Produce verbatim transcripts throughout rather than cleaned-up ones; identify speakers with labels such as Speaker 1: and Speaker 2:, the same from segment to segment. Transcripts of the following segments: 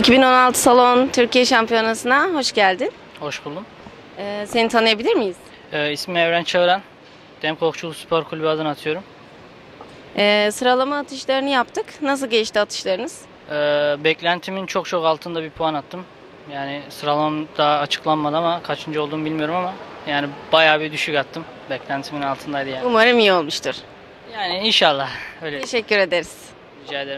Speaker 1: iki bin on altı Salon Türkiye Şampiyonası'na hoş geldin.
Speaker 2: Hoş buldum.
Speaker 1: Ee, seni tanıyabilir miyiz?
Speaker 2: Ee, ismim Evren Çağıran. Demko Okçuluk Spor Kulübü adına atıyorum.
Speaker 1: Ee, sıralama atışlarını yaptık. Nasıl geçti atışlarınız?
Speaker 2: Ee, beklentimin çok çok altında bir puan attım. Yani sıralamam daha açıklanmadı ama kaçıncı olduğumu bilmiyorum ama yani bayağı bir düşük attım. Beklentimin altındaydı yani.
Speaker 1: Umarım iyi olmuştur.
Speaker 2: Yani inşallah öyle.
Speaker 1: Teşekkür ederiz.
Speaker 2: Rica ederim.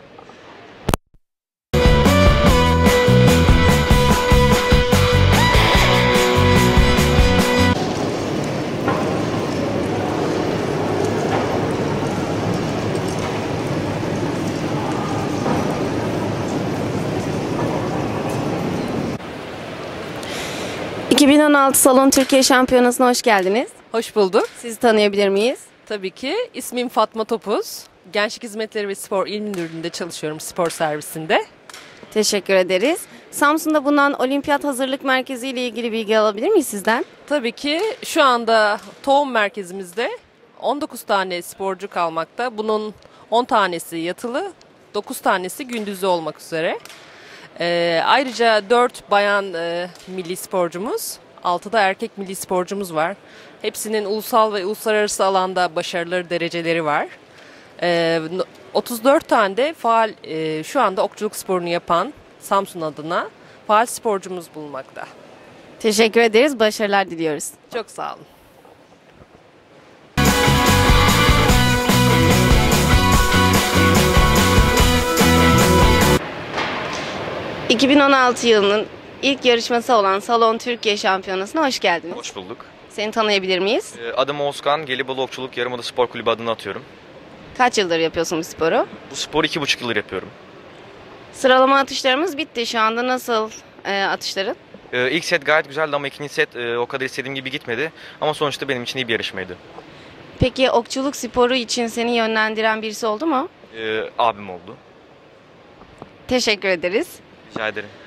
Speaker 1: iki bin on altı Salon Türkiye Şampiyonası'na hoş geldiniz.
Speaker 3: Hoş bulduk.
Speaker 1: Sizi tanıyabilir miyiz?
Speaker 3: Tabii ki. İsmim Fatma Topuz. Gençlik Hizmetleri ve Spor İl Müdürlüğü'nde çalışıyorum, spor servisinde.
Speaker 1: Teşekkür ederiz. Samsun'da bulunan Olimpiyat Hazırlık Merkezi ile ilgili bilgi alabilir miyiz sizden?
Speaker 3: Tabii ki şu anda tohum merkezimizde on dokuz tane sporcu kalmakta. Bunun on tanesi yatılı, dokuz tanesi gündüzlü olmak üzere. Ee, ayrıca dört bayan e, milli sporcumuz, altı da erkek milli sporcumuz var. Hepsinin ulusal ve uluslararası alanda başarıları, dereceleri var. Ee, otuz dört tane de faal e, şu anda okçuluk sporunu yapan Samsun adına faal sporcumuz bulunmakta.
Speaker 1: Teşekkür ederiz. Başarılar diliyoruz.
Speaker 3: Çok sağ olun.
Speaker 1: iki bin on altı yılının ilk yarışması olan Salon Türkiye Şampiyonası'na hoş geldiniz.
Speaker 4: Hoş bulduk.
Speaker 1: Seni tanıyabilir miyiz?
Speaker 4: Adım Oğuzkan, Gelibolu Okçuluk Yarımada Spor Kulübü adına atıyorum.
Speaker 1: Kaç yıldır yapıyorsun bu sporu?
Speaker 4: Bu sporu iki buçuk yıldır yapıyorum.
Speaker 1: Sıralama atışlarımız bitti. Şu anda nasıl e, atışların?
Speaker 4: Ee, ilk set gayet güzeldi ama ikinci set e, o kadar istediğim gibi gitmedi. Ama sonuçta benim için iyi bir yarışmaydı.
Speaker 1: Peki okçuluk sporu için seni yönlendiren birisi oldu mu?
Speaker 4: Ee, abim oldu.
Speaker 1: Teşekkür ederiz.
Speaker 4: Rica ederim.